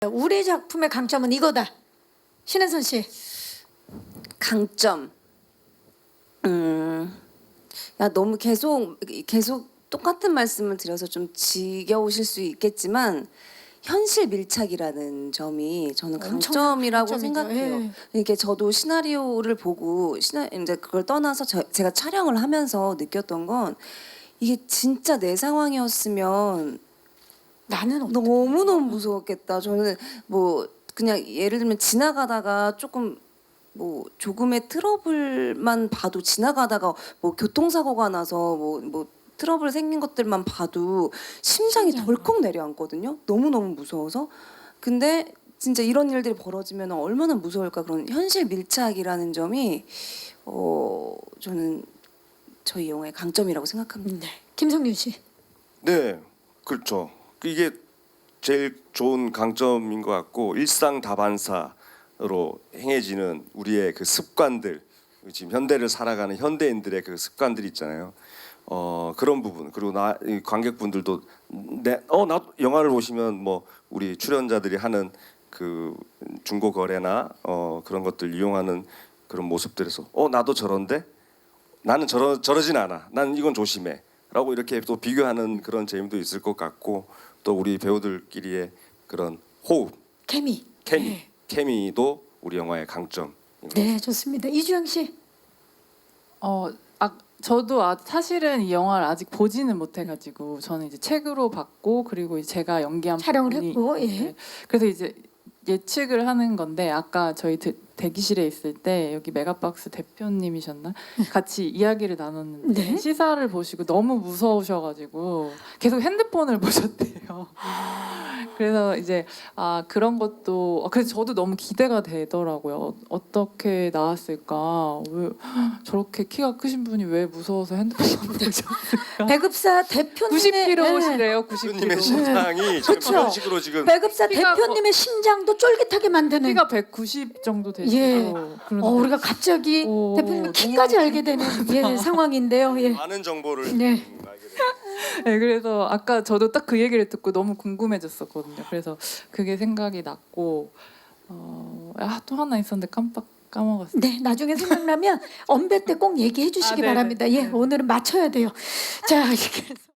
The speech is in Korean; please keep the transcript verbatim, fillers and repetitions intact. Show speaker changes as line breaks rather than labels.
우리 작품의 강점은 이거다. 신혜선 씨.
강점. 음, 야 너무 계속 계속 똑같은 말씀을 드려서 좀 지겨우실 수 있겠지만 현실 밀착이라는 점이 저는 강점이라고
강점이죠.
생각해요.
예.
이게 저도 시나리오를 보고 시나 이제 그걸 떠나서 저, 제가 촬영을 하면서 느꼈던 건 이게 진짜 내 상황이었으면
나는 어떡해?
너무 너무 무서웠겠다. 저는 뭐 그냥 예를 들면 지나가다가 조금 뭐 조금의 트러블만 봐도 지나가다가 뭐 교통사고가 나서 뭐 뭐 트러블 생긴 것들만 봐도 심장이
심장이.
덜컥 내려앉거든요. 너무 너무 무서워서. 근데 진짜 이런 일들이 벌어지면 얼마나 무서울까. 그런 현실 밀착이라는 점이 어 저는 저희 영화의 강점이라고 생각합니다.
네. 김성윤 씨.
네, 그렇죠. 이게 제일 좋은 강점인 것 같고 일상 다반사로 행해지는 우리의 그 습관들, 지금 현대를 살아가는 현대인들의 그 습관들이 있잖아요. 어 그런 부분 그리고 나 이 관객분들도 내어나 영화를 보시면 뭐 우리 출연자들이 하는 그 중고 거래나 어 그런 것들 이용하는 그런 모습들에서 어 나도 저런데 나는 저러 저러진 않아. 난 이건 조심해.라고 이렇게 또 비교하는 그런 재미도 있을 것 같고 또 우리 배우들끼리의 그런 호흡,
케미.
케미,
네.
케미도 우리 영화의 강점.
네, 좋습니다. 이주영 씨.
어, 아, 저도 아, 사실은 이 영화를 아직 보지는 못해가지고 저는 이제 책으로 봤고 그리고 이제 제가 연기한
촬영을
부분이-
했고, 예.
네. 그래서 이제 예측을 하는 건데 아까 저희 대, 대기실에 있을 때 여기 메가박스 대표님이셨나 같이 이야기를 나눴는데
네.
시사를 보시고 너무 무서우셔가지고 계속 핸드폰을 보셨대요. 그래서 이제 아 그런 것도 아, 그래서 저도 너무 기대가 되더라고요. 어, 어떻게 나왔을까? 왜 저렇게 키가 크신 분이 왜 무서워서 핸드폰을 보셨을까?
배급사 대표님의
구십
예.
킬로그램이시래요. 구십
교수님의
킬로그램.
심장이 지금
그쵸.
그런 식으로 지금
배급사
키가
대표님의 심장도 쫄깃하게 만드는.
키가 백구십 정도 되시고
예.
그런데
어, 우리가 갑자기
오,
대표님
너무
키까지 알게 되는 예, 상황인데요. 예.
많은 정보를
네.
지금 알게 됐어요.
네, 그래서 아까 저도 딱 그 얘기를 듣고 너무 궁금해졌었거든요. 그래서 그게 생각이 났고 어, 아, 또 하나 있었는데 깜빡 까먹었어요.
네, 나중에 생각나면 언배 때 꼭 얘기해 주시기
아, 네네.
바랍니다. 예,
네.
오늘은 맞춰야 돼요. 자, 이렇게 해서